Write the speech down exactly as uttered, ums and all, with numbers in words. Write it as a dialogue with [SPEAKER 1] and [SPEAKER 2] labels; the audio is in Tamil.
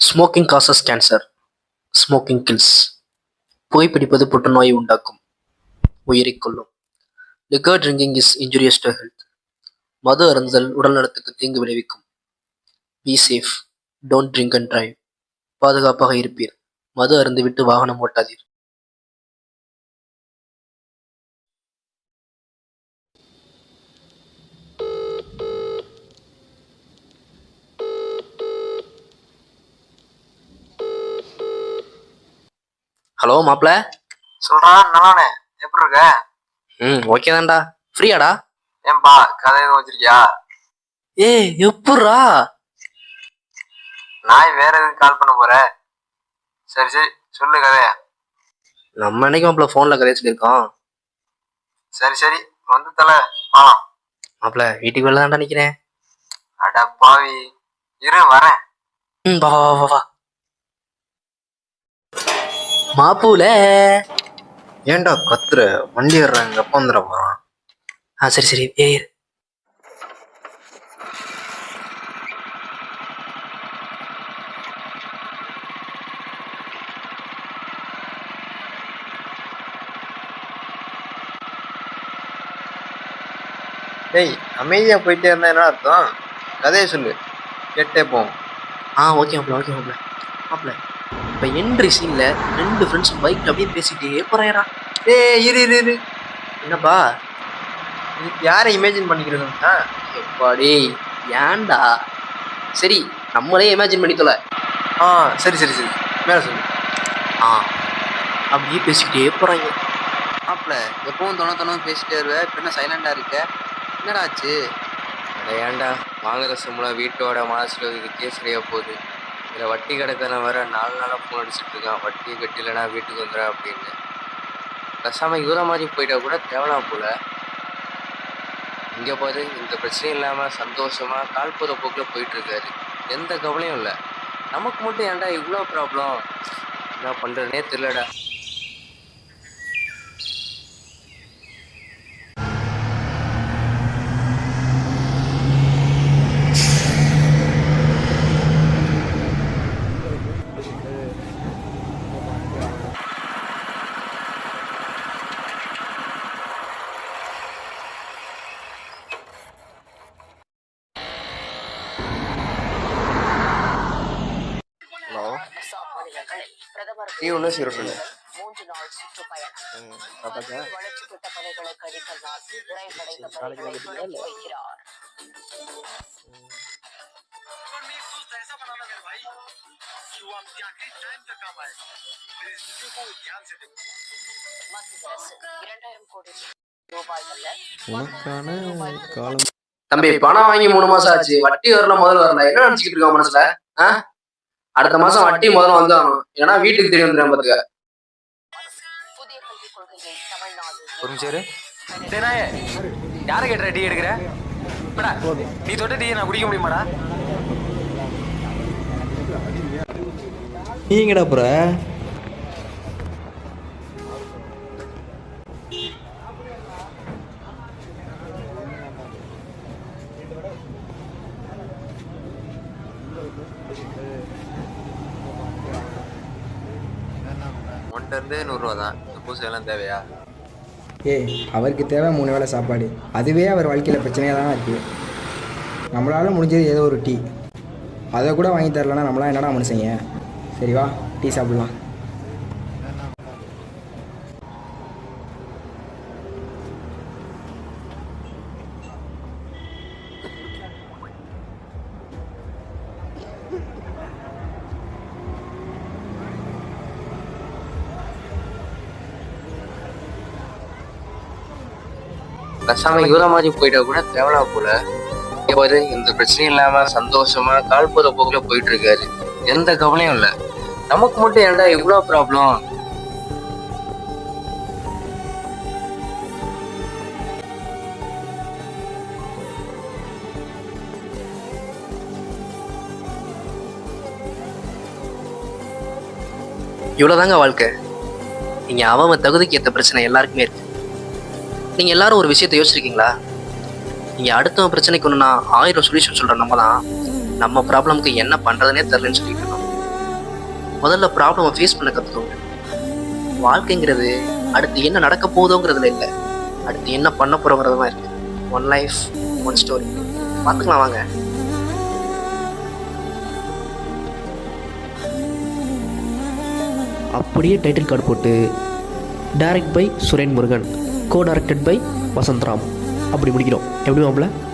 [SPEAKER 1] Smoking causes cancer. Smoking kills. புகைப்பிடிப்பது புற்றுநோயை உண்டாக்கும், உயிரைக் கொல்லும். Liquor drinking is injurious to health. மது அருந்துதல் உடல் நலத்துக்கு தீங்கு விளைவிக்கும். Be safe. Don't drink and drive. பாதுகாப்பாக இருப்பீர். மது அருந்திவிட்டு வாகனம் ஓட்டாதீர். ஹலோ மாப்ள.
[SPEAKER 2] சொல்றா நானே எப்படி இருக்க?
[SPEAKER 1] ம் ஓகே தான்டா. ஃப்ரீயாடா?
[SPEAKER 2] ஏன்பா கதை எதுவும் வச்சிருக்கியா?
[SPEAKER 1] ஏய் எப்புட்றா?
[SPEAKER 2] நான் வேற எதுவும் கால் பண்ண போற? சரி சரி சொல்லு கதைய.
[SPEAKER 1] நம்ம என்னைக்கு மாப்ள ஃபோன்ல கதைய சொல்லியிருக்கோம்.
[SPEAKER 2] சரி சரி வந்து தல ஆ
[SPEAKER 1] மாப்ள வீட்டுக்கு வெளில தான்டா நிக்கிறேன்.
[SPEAKER 2] அட பாவி இரு வரேன்.
[SPEAKER 1] ம் வா வா வா வா. மாப்புல.
[SPEAKER 2] ஏன்டா கத்துற? வண்டி ஏறாங்க எப்ப வந்துட போறான்?
[SPEAKER 1] ஆ சரி சரி ஏறு.
[SPEAKER 2] டேய் அமைதியா போயிட்டே இருந்தா என்ன அர்த்தம்? கதையை சொல்லு கேட்டே போவோம்.
[SPEAKER 1] ஆ ஓகே மாப்ள ஓகே மாப்ள. மாப்ள இப்போ என்ட்ரி சீன்ல ரெண்டு ஃப்ரெண்ட்ஸும் பைக் அப்படியே பேசிட்டே போறாயடா.
[SPEAKER 2] ஏய் இரு இரு இரு
[SPEAKER 1] என்னப்பா?
[SPEAKER 2] இதுக்கு யாரை இமேஜின் பண்ணிக்கிறதுன்னா?
[SPEAKER 1] எப்பாடி ஏன்டா? சரி நம்மளே இமேஜின் பண்ணி தொலை.
[SPEAKER 2] ஆ சரி சரி சரி மேல சொல்லு.
[SPEAKER 1] ஆ அப்படியே பேசிக்கிட்டே போறாங்க.
[SPEAKER 2] மாப்பிள்ள எப்பவும் தொண தொண பேசிட்டே வருவேன், இப்போ என்ன சைலண்டா இருக்க? என்னடா ஆச்சு?
[SPEAKER 3] அட ஏன்டா வாங்குற சம்பளம் வீட்டோட மனசுல இதுக்கே சரியா போகுது. இதில் வட்டி கிடக்கிறவன் வேற நாலு நாளாக ஃபோன் அடிச்சுட்டு இருக்கான், வட்டி கட்டிலனா வீட்டுக்கு வந்துடுறேன் அப்படின்னு. பேசாமல் இவர மாதிரி போயிட்டா கூட தேவலாம் போல. இங்கே பாரு, இந்த பிரச்சனையும் இல்லாமல் சந்தோஷமாக கால் போகிற போக்கில் போயிட்டுருக்காரு. எந்த கவலையும் இல்லை. நமக்கு மட்டும் ஏன்டா இவ்வளோ ப்ராப்ளம்? என்ன பண்ணுறதுனே தெரியலடா. நீ ஒன்றும் சீரோட்டில்
[SPEAKER 4] மூன்று நாள் சுற்றுப்பயணம் வளர்ச்சி திட்ட பணிகளை கடிக்கல்லால் நிறைவடைந்த பணிகளை தொடங்கி வைக்கிறார். மத்திய அரசு இரண்டாயிரம் கோடி ரூபாய்கள்ல
[SPEAKER 1] தம்பி பணம் வாங்கி மூணு மாசம் ஆச்சு, வட்டி வரல முதல்ல வரல, என்ன நினைச்சுக்கிட்டு இருக்க மனசுல? அடுத்த மாசம் வட்டி முதல்ல வந்து ஆகணும், ஏன்னா வீட்டுக்கு தெரியும் தெரியும் பாத்துக்க.
[SPEAKER 4] புதிய கல்விக் கொள்கையை தமிழ்நாடு
[SPEAKER 3] ஒரு நிமிஷம் யாரை கேட்டுற டீ எடுக்கிற? நீ தொட்ட டீ நான் குடிக்க முடியுமாடா?
[SPEAKER 5] நீங்கடா புற
[SPEAKER 3] ஒன்ட்ட இருந்தே நூறுரூவா தான். சப்போஸ் எல்லாம் தேவையா?
[SPEAKER 5] ஏய் அவருக்கு தேவை மூணு வேளை சாப்பாடு, அதுவே அவர் வாழ்க்கையில் பிரச்சனையாக தானே இருக்குது. நம்மளால் முடிஞ்சது ஏதோ ஒரு டீ, அதை கூட வாங்கி தரலன்னா நம்மளாம் என்னடா மனுஷங்க? சரி வா டீ சாப்பிட்லாம்.
[SPEAKER 3] பேசாம இவர மாதிரி போயிட்டா கூட தேவலாம் போல. பாரு, இந்த பிரச்சனையும் இல்லாம சந்தோஷமா கால் போற போக்குல போயிட்டு இருக்காரு. எந்த கவலையும் இல்லை. நமக்கு மட்டும் ஏன்டா இவ்வளோ ப்ராப்ளம்?
[SPEAKER 1] இவ்வளவுதாங்க வாழ்க்கை. நீங்க அவன் தகுதிக்கு ஏற்ற பிரச்சனை எல்லாருக்குமே இருக்கு. நீங்க எல்லாரும் ஒரு விஷயத்த யோசிச்சிருக்கீங்களா? நீங்க அடுத்த பிரச்சனைக்கு ஒண்ணுனா ஆயிரம் சொல்யூஷன் சொல்ற நம்ம தான் நம்ம ப்ராப்ளம்க்கு என்ன பண்றதுனே தெரியலன்னு சொல்லிட்டு இருக்கோம். முதல்ல ப்ராப்ளமை ஃபேஸ் பண்ண கற்றுக்கோங்க. வாழ்க்கைங்கிறது அடுத்து என்ன நடக்க போகுதோங்கிறதுல இல்லை, அடுத்து என்ன பண்ண போகிறோங்கிறது தான் இருக்குது. One life one story. பார்த்துக்கலாம் வாங்க.
[SPEAKER 6] அப்படியே டைட்டில் கார்டு போட்டு direct by Suren Murugan, co directed by Vasanthram அப்படி முடிக்கிறோம். எப்படி மாப்பிள்ள?